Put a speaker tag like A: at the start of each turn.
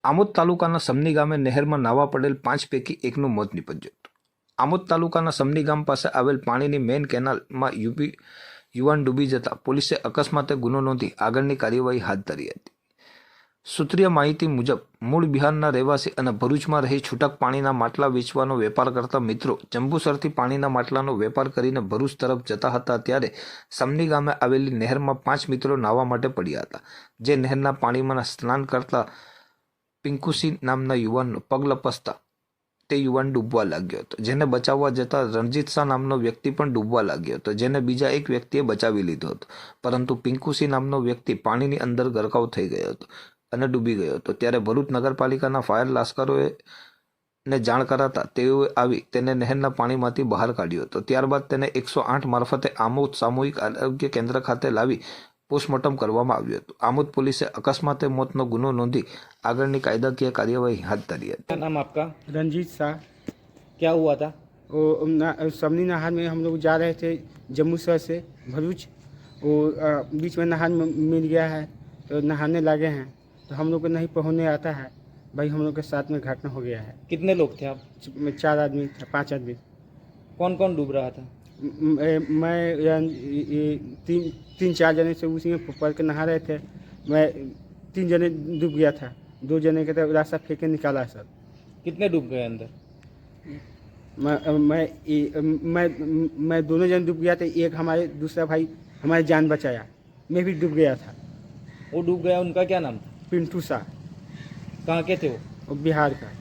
A: આમોદ તાલુકાના સમની ગામે નહેરમાં નાવા પડેલ 5 પૈકી એકનું મોત નીપજ્યું હતું। આમોદ તાલુકાના સમની ગામ પાસે આવેલ પાણીની મેઇન કેનાલમાં યુવાન ડૂબી જતા પોલીસે અકસ્માતે ગુનો નોંધી આગળની કાર્યવાહી હાથ ધરી હતી। સૂત્રીય માહિતી મુજબ મૂળ બિહારના રહેવાસી અને ભરૂચમાં રહી છૂટક પાણીના માટલા વેચવાનો વેપાર કરતા મિત્રો જંબુસરથી પાણીના માટલાનો વેપાર કરીને ભરૂચ તરફ જતા હતા ત્યારે સમની ગામે આવેલી નહેરમાં 5 મિત્રો નાહવા માટે પડ્યા હતા। જે નહેરના પાણીમાં સ્નાન કરતા પિંકુસિંહ નામના યુવાનનો પગ લપસતા તે યુવાન ડૂબવા લાગ્યો હતો, જેને બચાવવા જતા રણજીત શાહ નામનો વ્યક્તિ પણ ડૂબવા લાગ્યો હતો, જેને બીજા એક વ્યક્તિએ બચાવી લીધો હતો, પરંતુ પિંકુસિંહ નામનો વ્યક્તિ પાણીની અંદર ગરકાવ થઈ ગયો હતો અને ડૂબી ગયો હતો। ત્યારે ભરૂચ નગરપાલિકાના ફાયર લાશ્કરોએ ને જાણ કરાતા તેઓએ આવી તેને નહેરના પાણીમાંથી બહાર કાઢ્યો હતો। ત્યારબાદ તેને 108 મારફતે આમોદ સામૂહિક આરોગ્ય કેન્દ્ર ખાતે લાવી પોસ્ટમોર્ટમ કરવામાં આવ્યું હતું। આમોદ પોલીસે અકસ્માતે મોતનો ગુનો નોંધી આગળની કાયદાકીય कार्यवाही हाथ धरी है।
B: क्या नाम आपका?
C: रंजीत शाह।
B: क्या हुआ था?
C: वो समनी नहर में हम लोग जा रहे थे जम्मू शहर से भरूच। वो बीच में नहर में मिल गया है तो नहाने लगे हैं तो हम लोग को नहीं पहुँचने आता है। भाई हम लोग के साथ में घटना हो गया है।
B: कितने लोग थे आप?
C: 4 आदमी थे, 5 आदमी।
B: कौन कौन डूब रहा था?
C: मैं 3-4 जने से उसी में पड़ के नहा रहे थे। मैं 3 जने डूब गया था, 2 जने के तो रास्ता फेंक के निकाला सर।
B: कितने डूब गए अंदर?
C: मैं दोनों जन डूब गया था। एक हमारे दूसरा भाई हमारी जान बचाया। मैं भी डूब गया था।
B: वो डूब गया, उनका क्या नाम था?
C: पिंटू शाह।
B: कहाँ के थे वो?
C: बिहार का।